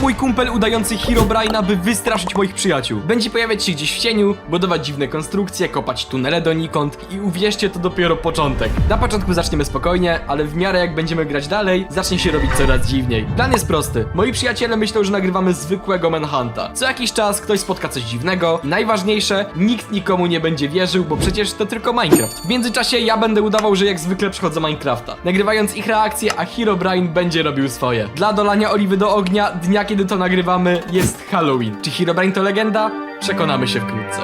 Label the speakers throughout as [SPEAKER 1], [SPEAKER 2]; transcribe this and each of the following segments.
[SPEAKER 1] mój kumpel udający Herobrine'a, by wystraszyć moich przyjaciół. Będzie pojawiać się gdzieś w cieniu, budować dziwne konstrukcje, kopać tunele donikąd i uwierzcie, to dopiero początek. Na początku zaczniemy spokojnie, ale w miarę jak będziemy grać dalej, zacznie się robić coraz dziwniej. Plan jest prosty. Moi przyjaciele myślą, że nagrywamy zwykłego Manhunta. Co jakiś czas ktoś spotka coś dziwnego. Najważniejsze, nikt nikomu nie będzie wierzył, bo przecież to tylko Minecraft. W międzyczasie ja będę udawał, że jak zwykle przechodzę Minecrafta, nagrywając ich reakcje, a Herobrine będzie robił swoje. Dla dolania oliwy do ognia dnia, kiedy to nagrywamy, jest Halloween. Czy Herobrine to legenda? Przekonamy się wkrótce.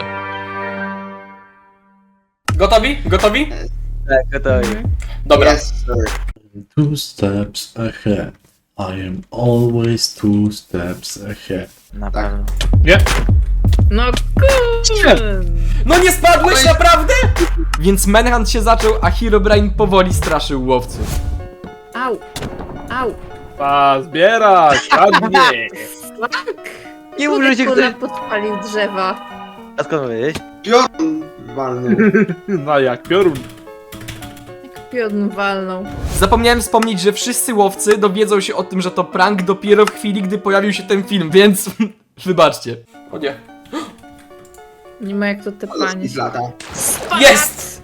[SPEAKER 1] Gotowi? Gotowi?
[SPEAKER 2] Tak, gotowi.
[SPEAKER 1] Dobra.
[SPEAKER 3] Yes, sir.
[SPEAKER 4] 2 steps ahead. I am always 2 steps ahead.
[SPEAKER 2] Na pewno.
[SPEAKER 5] Nie?
[SPEAKER 6] No kurde!
[SPEAKER 1] No nie spadłeś naprawdę? Więc Manhunt się zaczął, a Herobrine powoli straszył łowców.
[SPEAKER 6] Au! Au!
[SPEAKER 5] A, zbierać! Ładnie!
[SPEAKER 2] Nie mów, że cię
[SPEAKER 6] Kurde,
[SPEAKER 2] ktoś...
[SPEAKER 6] podpalił drzewa.
[SPEAKER 2] A skąd wiedzieć?
[SPEAKER 3] Piorun walny.
[SPEAKER 5] No jak piorun.
[SPEAKER 6] Jak piorun walnął.
[SPEAKER 1] Zapomniałem wspomnieć, że wszyscy łowcy dowiedzą się o tym, że to prank dopiero w chwili, gdy pojawił się ten film, więc wybaczcie. O nie.
[SPEAKER 6] Nie ma jak to tepanie.
[SPEAKER 3] Z lata.
[SPEAKER 1] Jest!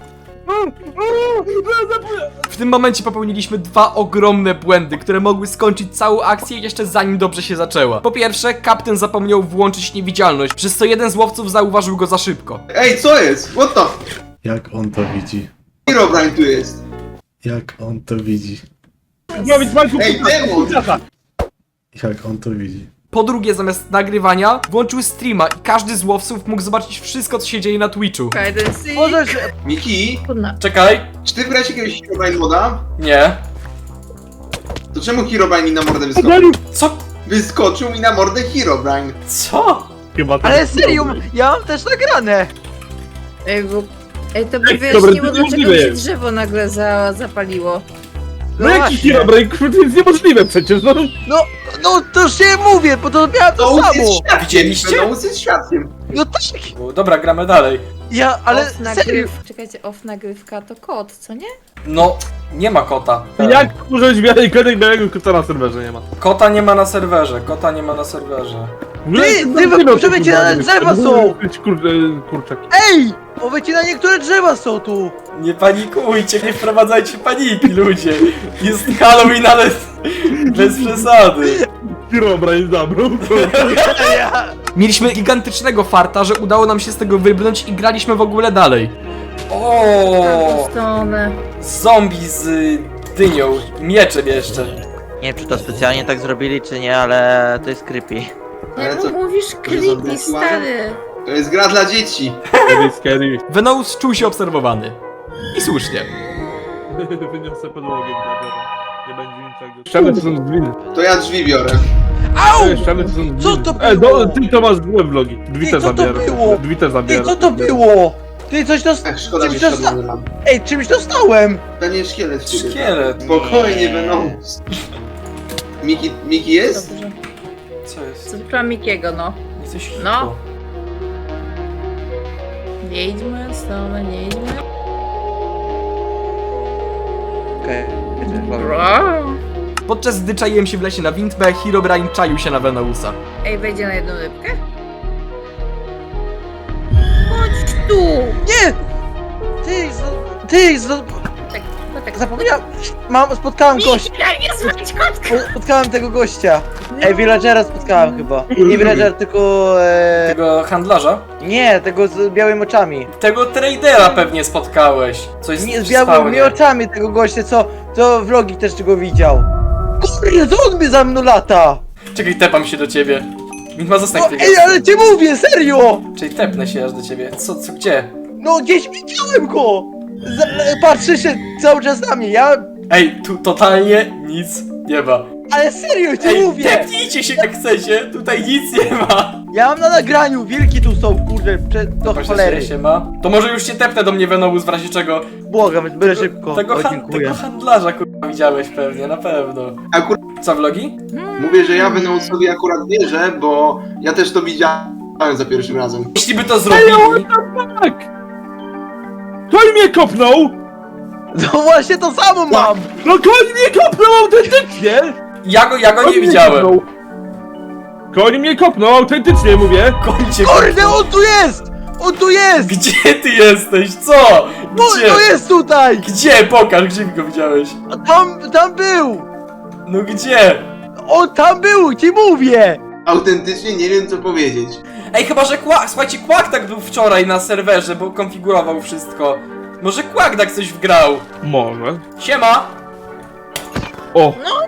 [SPEAKER 1] W tym momencie popełniliśmy dwa ogromne błędy, które mogły skończyć całą akcję jeszcze zanim dobrze się zaczęła. Po pierwsze, kapten zapomniał włączyć niewidzialność, przez co jeden z łowców zauważył go za szybko.
[SPEAKER 3] Ej, co jest? What the?
[SPEAKER 4] Jak on to widzi?
[SPEAKER 3] Herobrine tu jest.
[SPEAKER 4] Jak on to widzi?
[SPEAKER 5] Zrobić Majku
[SPEAKER 3] Ej, demon!
[SPEAKER 4] Jak on to widzi?
[SPEAKER 1] Po drugie, zamiast nagrywania, włączył streama i każdy z łowców mógł zobaczyć wszystko, co się dzieje na Twitchu.
[SPEAKER 6] Hide and seek.
[SPEAKER 2] Możesz...
[SPEAKER 3] Miki,
[SPEAKER 6] Kurna.
[SPEAKER 1] Czekaj.
[SPEAKER 3] czy ty grałeś jakiegoś Herobrine moda?
[SPEAKER 1] Nie.
[SPEAKER 3] To czemu Herobrine mi na mordę wyskoczył?
[SPEAKER 1] Co?
[SPEAKER 3] Wyskoczył mi na mordę Herobrine.
[SPEAKER 1] Co?
[SPEAKER 5] Chyba tak.
[SPEAKER 2] Ale serio, ja mam też nagrane!
[SPEAKER 6] Ej, bo... Ej, to by
[SPEAKER 5] Ej,
[SPEAKER 6] wyjaśniło,
[SPEAKER 5] dobra, to
[SPEAKER 6] dlaczego
[SPEAKER 5] niemożliwe
[SPEAKER 6] mi się
[SPEAKER 5] jest.
[SPEAKER 6] drzewo nagle zapaliło.
[SPEAKER 5] No jaki
[SPEAKER 2] właśnie.
[SPEAKER 5] Herobrine? To jest niemożliwe przecież, no.
[SPEAKER 2] No to już się mówię, bo to miałem to
[SPEAKER 3] Venous
[SPEAKER 2] samo!
[SPEAKER 3] jest świadkiem.
[SPEAKER 1] Widzieliście?
[SPEAKER 3] Venous jest świadkiem.
[SPEAKER 2] No tak!
[SPEAKER 1] Dobra, gramy dalej.
[SPEAKER 2] Ja, ale
[SPEAKER 6] Off
[SPEAKER 2] serio!
[SPEAKER 6] Czekajcie, off nagrywka to kot, co nie?
[SPEAKER 1] No, nie ma kota.
[SPEAKER 5] Jak użyć białej kodek białego kota na serwerze nie ma?
[SPEAKER 1] Kota nie ma na serwerze, kota nie ma na serwerze.
[SPEAKER 2] przewycinane drzewa są!
[SPEAKER 5] Kurczaki.
[SPEAKER 2] Ej! Powycinane niektóre drzewa są tu!
[SPEAKER 1] Nie panikujcie, nie wprowadzajcie paniki, ludzie. Jest Halloween, ale bez przesady.
[SPEAKER 5] Herobrine zabrał.
[SPEAKER 1] Mieliśmy gigantycznego farta, że udało nam się z tego wybrnąć i graliśmy w ogóle dalej. O,
[SPEAKER 6] Stronę.
[SPEAKER 1] zombie z dynią, mieczem jeszcze.
[SPEAKER 2] Nie wiem, czy to specjalnie tak zrobili, czy nie, ale to jest creepy.
[SPEAKER 3] Ale
[SPEAKER 6] Jak
[SPEAKER 3] co?
[SPEAKER 6] mówisz creepy,
[SPEAKER 3] zombie
[SPEAKER 6] stary.
[SPEAKER 3] To jest gra dla dzieci.
[SPEAKER 5] Scary.
[SPEAKER 1] Venous czuł się obserwowany. I słusznie.
[SPEAKER 5] Wyniosę podłogę dla biura. Nie będzie niczego. Ściany to są drzwi.
[SPEAKER 3] To ja drzwi biorę.
[SPEAKER 2] Au!
[SPEAKER 5] Ściany to są drzwi.
[SPEAKER 2] Co to było?
[SPEAKER 5] Ty to masz złe vlogi. Drzwi
[SPEAKER 2] Ty,
[SPEAKER 5] też
[SPEAKER 2] co to
[SPEAKER 5] zabierasz.
[SPEAKER 2] było?
[SPEAKER 5] Drzwi też
[SPEAKER 2] Ty,
[SPEAKER 5] zabierasz.
[SPEAKER 2] co to było? Ty, coś
[SPEAKER 3] Ach, szkoda mi
[SPEAKER 2] czymś dosta...
[SPEAKER 3] szkoda, nie mam.
[SPEAKER 2] Ej, czymś dostałem!
[SPEAKER 3] To nie szkielet w ciebie.
[SPEAKER 1] Szkielet.
[SPEAKER 3] Spokojnie, Venous. Miki jest?
[SPEAKER 6] Dobrze.
[SPEAKER 1] Co jest?
[SPEAKER 6] Co dla Mikiego, no.
[SPEAKER 1] Jesteś
[SPEAKER 6] No.
[SPEAKER 1] hippo.
[SPEAKER 6] Nie idźmy, stronę, nie idźmy.
[SPEAKER 2] Okej,
[SPEAKER 1] Podczas gdy czaiłem się w lesie na Windbę, Herobrine czaił się na Venousa.
[SPEAKER 6] Ej, wejdzie na jedną rybkę? Chodź tu!
[SPEAKER 2] Nie! Ty,
[SPEAKER 6] Tak, no tak.
[SPEAKER 2] zapomniałem, spotkałem gościa,
[SPEAKER 6] Nie zwać kotka!
[SPEAKER 2] spotkałem tego gościa. Ej, villagera spotkałem chyba. Nie villager, tylko
[SPEAKER 1] Tego handlarza?
[SPEAKER 2] nie, tego z białymi oczami.
[SPEAKER 1] Tego tradera pewnie spotkałeś. Coś
[SPEAKER 2] Nie, z
[SPEAKER 1] przy
[SPEAKER 2] białymi
[SPEAKER 1] spawnie.
[SPEAKER 2] oczami tego gościa, co vlogi też go widział. Kurde, co on mnie za mną lata?
[SPEAKER 1] Czekaj, tepam się do ciebie. Widma, zostań
[SPEAKER 2] No,
[SPEAKER 1] chwilę.
[SPEAKER 2] ej, ale ci mówię, serio!
[SPEAKER 1] Czyli tepnę się aż do ciebie. Co, gdzie?
[SPEAKER 2] No, gdzieś widziałem go! Patrzy się cały czas na mnie,
[SPEAKER 1] Ej, tu totalnie nic nie ma.
[SPEAKER 2] ale serio ci
[SPEAKER 1] Ej,
[SPEAKER 2] mówię!
[SPEAKER 1] tepnijcie się jak chcecie, tutaj nic nie ma.
[SPEAKER 2] Ja mam na nagraniu, wilki tu są, kurde, do
[SPEAKER 1] Właśnie
[SPEAKER 2] cholery.
[SPEAKER 1] się ma. To może już cię tepnę do mnie Venous w razie czego.
[SPEAKER 2] Błagam, byle szybko.
[SPEAKER 1] Tego,
[SPEAKER 2] O, dziękuję.
[SPEAKER 1] tego handlarza kurwa widziałeś pewnie, na pewno.
[SPEAKER 3] Akurat
[SPEAKER 1] Co, vlogi?
[SPEAKER 3] mówię, że ja Venousowi akurat wierzę, bo ja też to widziałem za pierwszym razem.
[SPEAKER 1] Jeśli by to zrobili...
[SPEAKER 5] Tak! Koń mnie kopnął!
[SPEAKER 2] No właśnie to samo mam!
[SPEAKER 5] No koń mnie kopnął autentycznie!
[SPEAKER 1] Ja go nie
[SPEAKER 5] Koń mnie
[SPEAKER 1] widziałem.
[SPEAKER 5] kopnął. Koń mnie kopnął, autentycznie mówię.
[SPEAKER 1] Końcie.
[SPEAKER 2] Kurde, on tu jest! On tu jest!
[SPEAKER 1] Gdzie ty jesteś? Co?
[SPEAKER 2] No,
[SPEAKER 1] Gdzie?
[SPEAKER 2] to jest tutaj!
[SPEAKER 1] Gdzie? Pokaż, gdzie go widziałeś?
[SPEAKER 2] A tam był!
[SPEAKER 1] No gdzie?
[SPEAKER 2] On tam był, ci mówię!
[SPEAKER 3] Autentycznie nie wiem co powiedzieć.
[SPEAKER 1] Ej, chyba że Quack, słuchajcie, Quack tak był wczoraj na serwerze, bo konfigurował wszystko. Może Quack tak coś wgrał.
[SPEAKER 5] Może.
[SPEAKER 1] Siema!
[SPEAKER 5] O!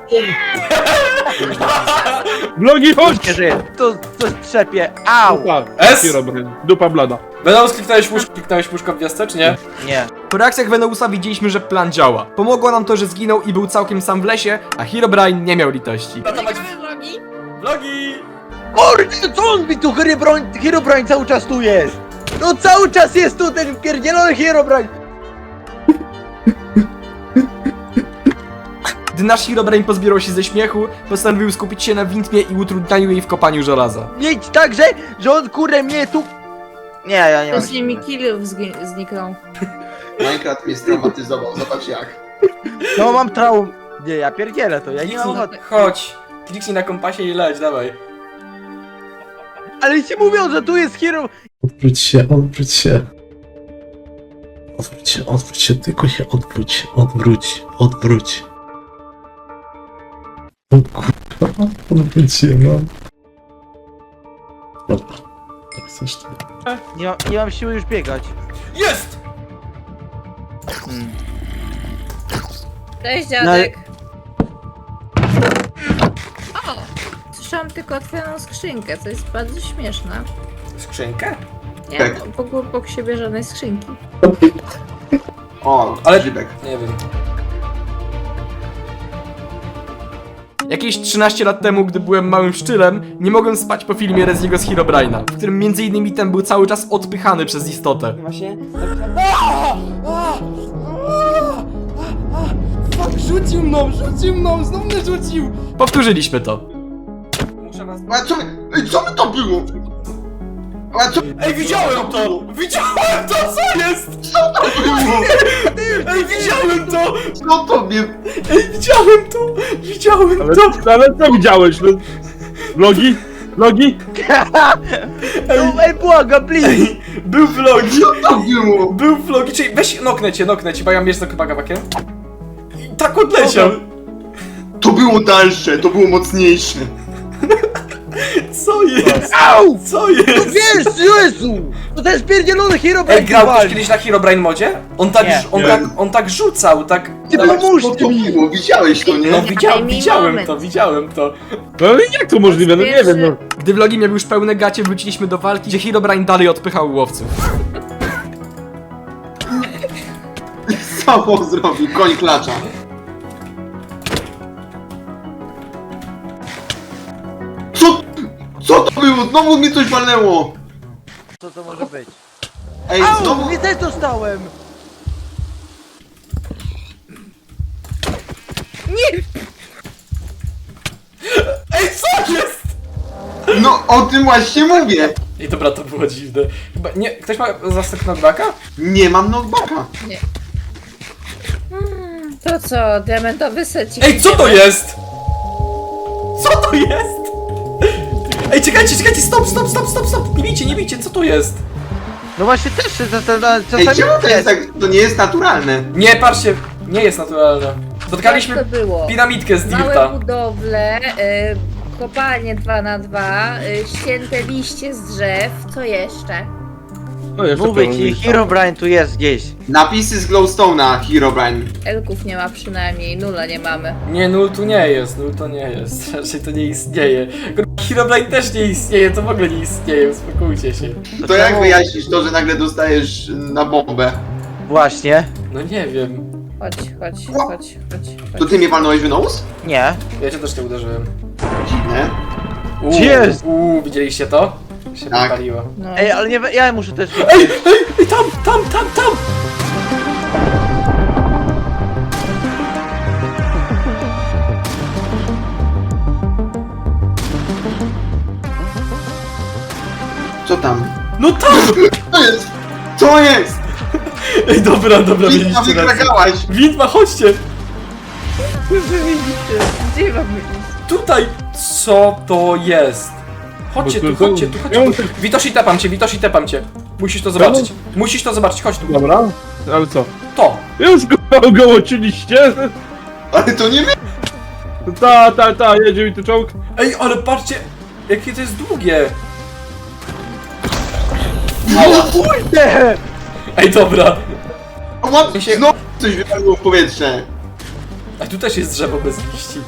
[SPEAKER 5] Vlogi, chodź!
[SPEAKER 2] Nie żyje. To coś trzepie. Au!
[SPEAKER 5] Dupa,
[SPEAKER 1] S?
[SPEAKER 5] Herobrine. Dupa blada.
[SPEAKER 1] Venous, kliknąłeś puszko w gwiazdce, czy nie?
[SPEAKER 2] Nie.
[SPEAKER 1] Po reakcjach Venousa widzieliśmy, że plan działa. Pomogło nam to, że zginął i był całkiem sam w lesie, a Herobrine nie miał litości.
[SPEAKER 6] Vlogi?
[SPEAKER 1] Vlogi!
[SPEAKER 2] Kurde, co on mi tu Herobrine cały czas tu jest? No cały czas jest tu ten pierdzielony Herobrine!
[SPEAKER 1] Gdy nasz Herobrine pozbierał się ze śmiechu, postanowił skupić się na Windmie i utrudnianiu jej w kopaniu żelaza.
[SPEAKER 2] Mieć tak, że on kurde mnie tu... Nie, ja nie mam.
[SPEAKER 6] Właśnie mi killów zniknął.
[SPEAKER 3] Minecraft mnie straumatyzował, zobacz jak.
[SPEAKER 2] No mam traum. Nie, ja pierdzielę to, ja nie mam ochoty.
[SPEAKER 1] Chodź, kliknij na kompasie i leć, dawaj.
[SPEAKER 2] Ale ci mówią, że tu jest Hero...
[SPEAKER 4] Odwróć się, odwróć się. Odwróć się, tylko się odwróć. O kurwa, odwróć się, mam. Dobra, tak chcesz ty.
[SPEAKER 2] Nie mam siły już biegać.
[SPEAKER 1] Jest!
[SPEAKER 6] Cześć dziadek. O! Słyszałam tylko otwieraną skrzynkę, co jest bardzo śmieszne.
[SPEAKER 1] Skrzynkę?
[SPEAKER 6] Nie
[SPEAKER 3] Tak.
[SPEAKER 6] mam obok siebie żadnej skrzynki.
[SPEAKER 3] O,
[SPEAKER 1] Ale-
[SPEAKER 3] ale grzybek.
[SPEAKER 1] Nie wiem. Jakieś 13 lat temu, gdy byłem małym szczylem, nie mogłem spać po filmie Reziego z Herobrine'a, w którym m.in. ten był cały czas odpychany przez istotę. Właśnie... Fuck, rzucił mną, znowu mnie rzucił! Powtórzyliśmy to. Muszę was...
[SPEAKER 3] A co? Ej, co by to było? A co?
[SPEAKER 1] Ej, widziałem to! Widziałem to, co jest?
[SPEAKER 3] Co to było?
[SPEAKER 1] Ej, widziałem to!
[SPEAKER 3] Co to mnie...
[SPEAKER 1] Ej, widziałem
[SPEAKER 5] Ale co widziałeś? No? Vlogi? Vlogi?
[SPEAKER 2] No, ej, błagam, please!
[SPEAKER 1] Był vlogi!
[SPEAKER 3] Co to było?
[SPEAKER 1] Był vlogi, czyli weź noknę cię, bo ja mam jeszcze kawałkiem. I tak odleciał.
[SPEAKER 3] To było dalsze, to było mocniejsze.
[SPEAKER 1] Co jest?
[SPEAKER 2] Au!
[SPEAKER 1] Co jest?
[SPEAKER 2] Wiesz, Jezu! To jest pierdzielony Herobrine!
[SPEAKER 1] Ej, grał ktoś
[SPEAKER 2] walczy.
[SPEAKER 1] kiedyś na Herobrine modzie?
[SPEAKER 2] Nie.
[SPEAKER 1] On tak rzucał, tak...
[SPEAKER 2] Ty
[SPEAKER 3] Ale
[SPEAKER 2] pomóż
[SPEAKER 3] co to
[SPEAKER 2] mi!
[SPEAKER 3] było? Widziałeś to, nie?
[SPEAKER 1] No
[SPEAKER 6] Daj mi moment.
[SPEAKER 1] widziałem to.
[SPEAKER 5] No i jak to możliwe? No nie wiem, no.
[SPEAKER 1] Gdy vlogi miał już pełne gacie, wróciliśmy do walki, gdzie Herobrine dalej odpychał łowców.
[SPEAKER 3] Co on zrobił? Koń klacza. Co to było? Znowu mi coś walnęło!
[SPEAKER 2] Co to może być?
[SPEAKER 3] Ej,
[SPEAKER 2] Au!
[SPEAKER 3] znowu...
[SPEAKER 2] Nie też dostałem!
[SPEAKER 6] Nie!
[SPEAKER 1] Ej, co jest?
[SPEAKER 3] No, o tym właśnie mówię!
[SPEAKER 1] Ej, dobra, to było dziwne. Chyba, nie, ktoś ma zastęp knockbacka?
[SPEAKER 3] Nie mam knockbacka.
[SPEAKER 6] To co, diamentowy secik?
[SPEAKER 1] Ej, co to
[SPEAKER 6] idziemy?
[SPEAKER 1] jest? Co to jest? Ej, czekajcie, stop! Nie bijcie, co to jest?
[SPEAKER 2] No właśnie też się
[SPEAKER 3] Ej, czemu to jest tak... To nie jest naturalne.
[SPEAKER 1] Nie, patrzcie, nie jest naturalne. Spotkaliśmy
[SPEAKER 6] Jak to było?
[SPEAKER 1] piramidkę z
[SPEAKER 6] Małe
[SPEAKER 1] Dirta.
[SPEAKER 6] budowle, kopalnie 2x2, ścięte liście z drzew, co jeszcze?
[SPEAKER 5] No jeszcze
[SPEAKER 2] Mówię
[SPEAKER 5] pełno
[SPEAKER 2] ci,
[SPEAKER 5] miejsca.
[SPEAKER 2] Herobrine tu jest gdzieś.
[SPEAKER 3] Napisy z Glowstone'a, Herobrine.
[SPEAKER 6] Elków nie ma przynajmniej, nula nie mamy.
[SPEAKER 1] Nie, nul tu nie jest, raczej to nie istnieje. Herobrine też nie istnieje, to w ogóle nie istnieje, uspokójcie się.
[SPEAKER 3] To jak wyjaśnisz to, że nagle dostajesz na bombę?
[SPEAKER 2] Właśnie.
[SPEAKER 1] No nie wiem,
[SPEAKER 6] Chodź.
[SPEAKER 3] To ty mnie walnąłeś w nos?
[SPEAKER 2] Nie.
[SPEAKER 1] ja cię też nie uderzyłem.
[SPEAKER 3] Dziwne.
[SPEAKER 2] Jest!
[SPEAKER 1] Widzieliście to? Się
[SPEAKER 3] Tak.
[SPEAKER 1] popaliło.
[SPEAKER 6] No.
[SPEAKER 2] Ej, ale nie, ja muszę też...
[SPEAKER 1] Ej, tam!
[SPEAKER 3] Co tam?
[SPEAKER 1] No tam!
[SPEAKER 3] Co jest? Co jest?
[SPEAKER 1] Ej, dobra,
[SPEAKER 3] Widma,
[SPEAKER 1] mieliście rację.
[SPEAKER 3] wykragałaś!
[SPEAKER 1] Widma, chodźcie!
[SPEAKER 6] Gdzie mamy iść?
[SPEAKER 1] Tutaj! Co to jest? Chodźcie
[SPEAKER 5] Bo
[SPEAKER 1] tu,
[SPEAKER 5] to-
[SPEAKER 1] chodźcie tu, chodźcie tu. Witosi, tepam cię. Musisz to zobaczyć. Musisz to zobaczyć, chodź tu.
[SPEAKER 5] Dobra, ale co?
[SPEAKER 1] To.
[SPEAKER 5] Już go ogołociliście?
[SPEAKER 3] Ale to nie my!
[SPEAKER 5] Ta, jedzie mi tu czołg.
[SPEAKER 1] Ej, ale patrzcie, jakie to jest długie.
[SPEAKER 2] Kurde!
[SPEAKER 1] Ej, dobra.
[SPEAKER 3] O, łap,
[SPEAKER 1] się-
[SPEAKER 3] znowu coś wypadło w powietrze.
[SPEAKER 1] A tu też jest drzewo bez liści.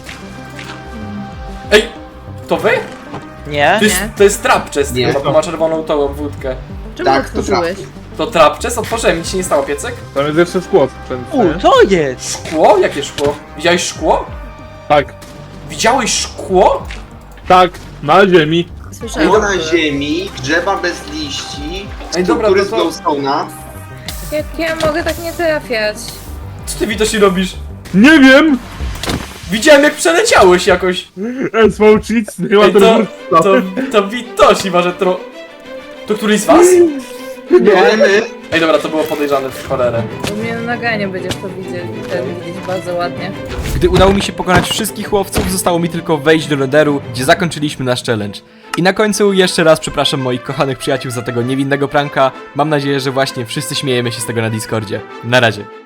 [SPEAKER 1] Ej, to wy?
[SPEAKER 2] Nie?
[SPEAKER 1] To jest trapczest,
[SPEAKER 3] Nie.
[SPEAKER 1] chyba, bo ma czerwoną tą obwódkę.
[SPEAKER 6] Czemu
[SPEAKER 3] Tak, to
[SPEAKER 6] otworzyłeś?
[SPEAKER 1] To trapczest? Otworzyłem, nic się nie stało, piecek?
[SPEAKER 5] Tam jest jeszcze szkło sprzętne.
[SPEAKER 2] Co jest?
[SPEAKER 1] Szkło? Jakie szkło? Widziałeś szkło?
[SPEAKER 5] Tak,
[SPEAKER 1] Widziałeś szkło?
[SPEAKER 5] tak, na ziemi.
[SPEAKER 6] Słyszałam.
[SPEAKER 3] Było na ziemi, drzewa bez liści,
[SPEAKER 1] Ej, dobra,
[SPEAKER 3] struktury z
[SPEAKER 1] to co?
[SPEAKER 3] glowstone'a.
[SPEAKER 6] Jak ja mogę tak nie trafiać?
[SPEAKER 1] Co ty, Witosi, robisz?
[SPEAKER 5] Nie wiem!
[SPEAKER 1] Widziałem, jak przeleciałeś jakoś.
[SPEAKER 5] SV Cheats, chyba
[SPEAKER 1] Ej,
[SPEAKER 5] ten
[SPEAKER 1] to Witosi może To któryś z was?
[SPEAKER 3] Nie my.
[SPEAKER 1] Ej, dobra, to było podejrzane w cholerę.
[SPEAKER 6] U mnie na naganie będziesz to widzieć bardzo ładnie.
[SPEAKER 1] Gdy udało mi się pokonać wszystkich łowców, zostało mi tylko wejść do Netheru, gdzie zakończyliśmy nasz challenge. I na końcu jeszcze raz przepraszam moich kochanych przyjaciół za tego niewinnego pranka. Mam nadzieję, że właśnie wszyscy śmiejemy się z tego na Discordzie. Na razie.